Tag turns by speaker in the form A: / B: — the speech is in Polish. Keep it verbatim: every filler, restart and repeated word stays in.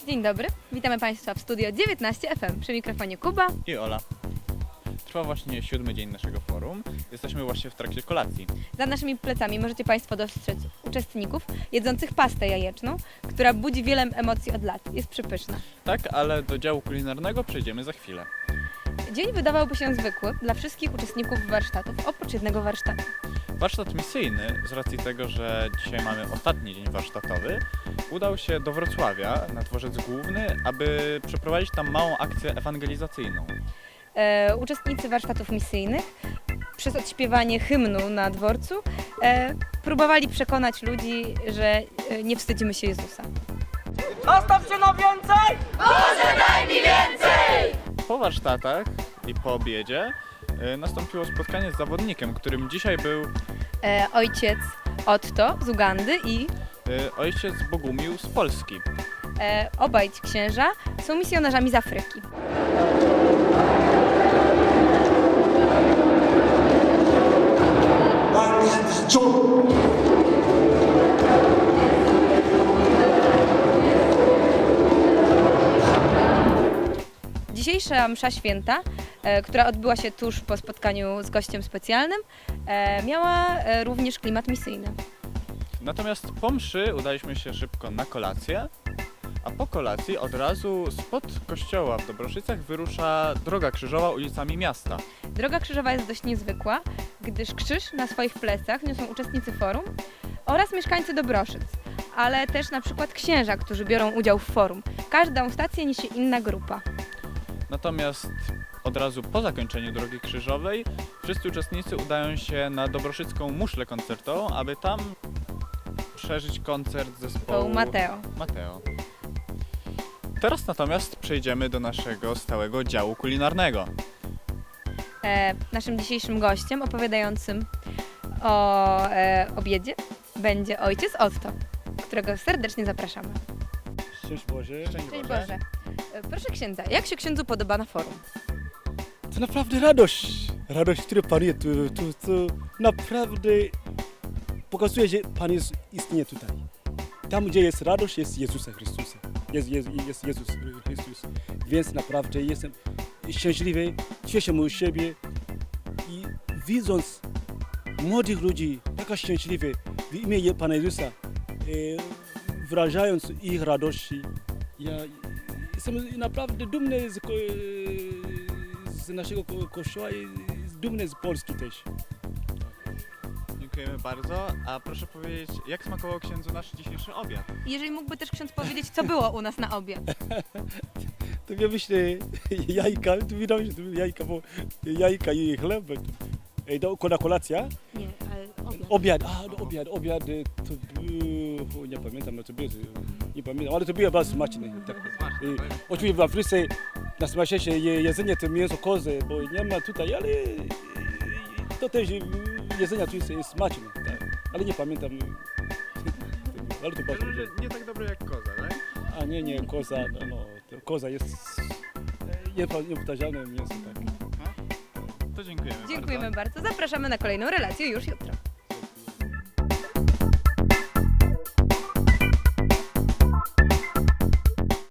A: Dzień dobry, witamy Państwa w studio dziewiętnaście F M. Przy mikrofonie Kuba
B: i Ola. Trwa właśnie siódmy dzień naszego forum. Jesteśmy właśnie w trakcie kolacji.
A: Za naszymi plecami możecie Państwo dostrzec uczestników jedzących pastę jajeczną, która budzi wiele emocji od lat. Jest przepyszna.
B: Tak, ale do działu kulinarnego przejdziemy za chwilę.
A: Dzień wydawałby się zwykły dla wszystkich uczestników warsztatów, oprócz jednego warsztatu.
B: Warsztat misyjny, z racji tego, że dzisiaj mamy ostatni dzień warsztatowy, udał się do Wrocławia na dworzec główny, aby przeprowadzić tam małą akcję ewangelizacyjną.
A: E, uczestnicy warsztatów misyjnych przez odśpiewanie hymnu na dworcu e, próbowali przekonać ludzi, że e, nie wstydzimy się Jezusa.
C: Nastaw się na więcej!
D: Boże, daj mi więcej!
B: Po warsztatach i po obiedzie y, nastąpiło spotkanie z zawodnikiem, którym dzisiaj był
A: E, ojciec Otto z Ugandy i
B: y, ojciec Bogumił z Polski.
A: e, obaj ci księża są misjonarzami z Afryki. Dzisiejsza msza święta, e, która odbyła się tuż po spotkaniu z gościem specjalnym, e, miała e, również klimat misyjny.
B: Natomiast po mszy udaliśmy się szybko na kolację, a po kolacji od razu spod kościoła w Dobroszycach wyrusza droga krzyżowa ulicami miasta.
A: Droga krzyżowa jest dość niezwykła, gdyż krzyż na swoich plecach niosą uczestnicy forum oraz mieszkańcy Dobroszyc, ale też na przykład księża, którzy biorą udział w forum. Każdą stację niesie inna grupa.
B: Natomiast od razu po zakończeniu drogi krzyżowej wszyscy uczestnicy udają się na dobroszycką muszlę koncertową, aby tam przeżyć koncert zespołu
A: Mateo.
B: Mateo. Teraz natomiast przejdziemy do naszego stałego działu kulinarnego.
A: E, naszym dzisiejszym gościem opowiadającym o e, obiedzie będzie ojciec Otto, którego serdecznie zapraszamy.
E: Szczęść Boże.
B: Szczęść
A: Cześć
B: Boże.
A: Boże. E, proszę księdza, jak się księdzu podoba na forum?
E: To naprawdę radość. Radość, która panuje tu, tu, tu naprawdę pokazuje, że Pan jest, istnieje tutaj. Tam, gdzie jest radość, jest Jezusa Chrystusa. Jest, jest, jest Jezus Chrystus. Więc naprawdę jestem szczęśliwy, cieszę się z siebie i widząc młodych ludzi, taka szczęśliwy w imię Pana Jezusa, e, wyrażając ich radości, ja jestem naprawdę dumny z, ko- z naszego ko- kościoła i dumny z Polski też.
B: Dziękujemy bardzo. A proszę powiedzieć, jak smakował księdzu nasz dzisiejszy obiad?
A: Jeżeli mógłby też ksiądz powiedzieć, co było u nas na obiad.
E: To ja myślę, jajka, tu widać, że to jajka, bo jajka i chleb. Ej, do, na kolacja?
A: Nie, ale obiad.
E: Obiad, a no, obiad, obiad, to był, nie pamiętam, co było, nie pamiętam, ale to było bardzo smaczne. Tak. I, oczywiście w Afryce najsmaczniejsze je, jedzenie to mięso kozy, bo nie ma tutaj, ale to też jedzenie tu jest, jest smaczne, tak. Ale nie pamiętam, ale to bardzo
B: Że nie tak dobre jak koza, tak?
E: A nie, nie, koza, no, no to koza jest niepo- niepowtarzalne mięso, tak.
B: To dziękujemy,
A: Dziękujemy
B: bardzo.
A: bardzo. Zapraszamy na kolejną relację już jutro.